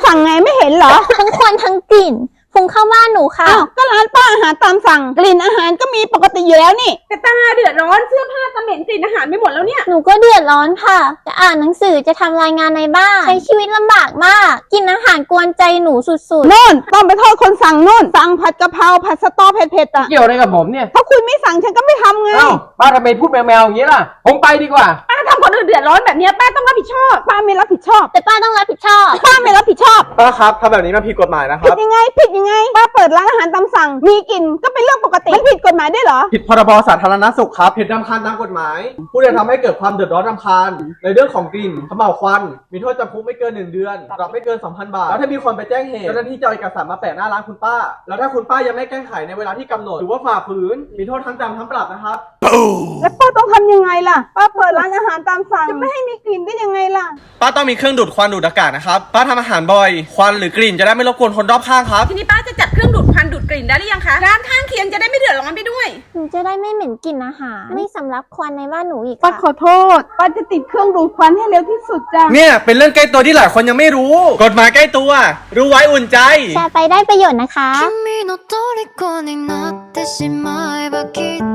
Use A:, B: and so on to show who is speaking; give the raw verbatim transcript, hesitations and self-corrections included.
A: สั่งไงไม่เห็นเหรอ
B: ทั้งควันทั้งกลิ่นฟุ้งเข้าบ้านหนูค่ะ
A: อ้าวก็ร้านป้าอาหารตามสั่งกลิ่นอาหารก็มีปกติอยู่แล้วนี่
C: แต่ตาเดือดร้อนเสื้อผ้าตะเหม็นกลิ่นอาหารไม่หมดแล้วเนี่ย
B: หนูก็เดือดร้อนค่ะจะอ่านหนังสือจะทำรายงานในบ้านใช้ชีวิตลำบากมากกินอาหารกวนใจหนูสุดๆ
A: นู่นต้องไปโทษคนสั่งนู่นสั่งผัดกะเพราผัดสตอเผ็ดๆอ่ะ
D: เกี่ยวอะไรกับผมเนี่ย
A: เพราะคุณไม่สั่งฉันก็ไม่ทำไง
D: เอ้าป้าทำไมพูดแมวๆอย่างนี้ล่ะผมไปดีกว่า
C: ป้าทำคนอื่นเดือดร้อนแบบนี้ป้าต้องรับผิดชอบ
A: ป้าไม่รับผิดชอบ
B: แต่ป้าต้องรับผิดชอบ
A: ป้าไม่รับผิดชอบ
E: ป้าครับทำแบบนี้มันผิดกฎหมายนะค
A: ผิ
E: รั
A: ด
E: บ
A: ยังไงผิดยังไงป้าเปิดร้านอาหารตามสั่งมีกลิ่นก็เป็นเรื่องปกติมันผิดกฎหมายได้เหรอ
E: ผิดพรบสาธารณสุขครับผิดรำคาญตามกฎหมายผู้ใดทำให้เกิดความเดือดร้อนรำคาญในเรื่องของกลิ่นเขม่าวควันมีโทษจำคุกไม่เกินหนึ่งเดือนปรับไม่เกิน สองพัน บาทแล้วถ้ามีคนไปแจ้งเหตุเจ้าหน้าที่จะเอาเอกสารมาแปะหน้าร้านคุณป้าแล้วถ้าคุณป้ายังไม่แก้ไขในเวลาที่กำหนดหรือว่าฝ่าฝืนมีโทษทั้งจำทั้งปรับนะครับ
A: แล้วป้าต้องทำยังไงล่ะป้าเปิดร้านอาหารตามสั่งจะไม่ให้มีกลิ่นได้ยังไงล่ะ
E: ป้าต้องมีเครื่องดูดควันดูดอากาศนะครับป้าทำอาหารบ่อยควันหรือกลิ่นจะได้ไม่รบกวนคนรอบข้างครับ
C: ทีนี้ป้าจะจัดเครื่องดูดควันดูดกลิ่นได้หรือยังคะร้านข้างเคียงจะได้ไม่เดือดร้อนไปด้วย
B: หนูจะได้ไม่เหม็นกลิ่นอาหารไม่สำลักควันในบ้านหนูอีก
A: ป้าขอโทษป้าจะติดเครื่องดูดควันให้เร็วที่สุดจ้ะ
E: เนี่ยเป็นเรื่องใกล้ตัวที่หลายคนยังไม่รู้กฎหมายใกล้ตัวรู้ไว้อุ่นใจ
B: แชร์ไปได้ประโยชน์นะคะ
F: 君の虜になってしまえばきっと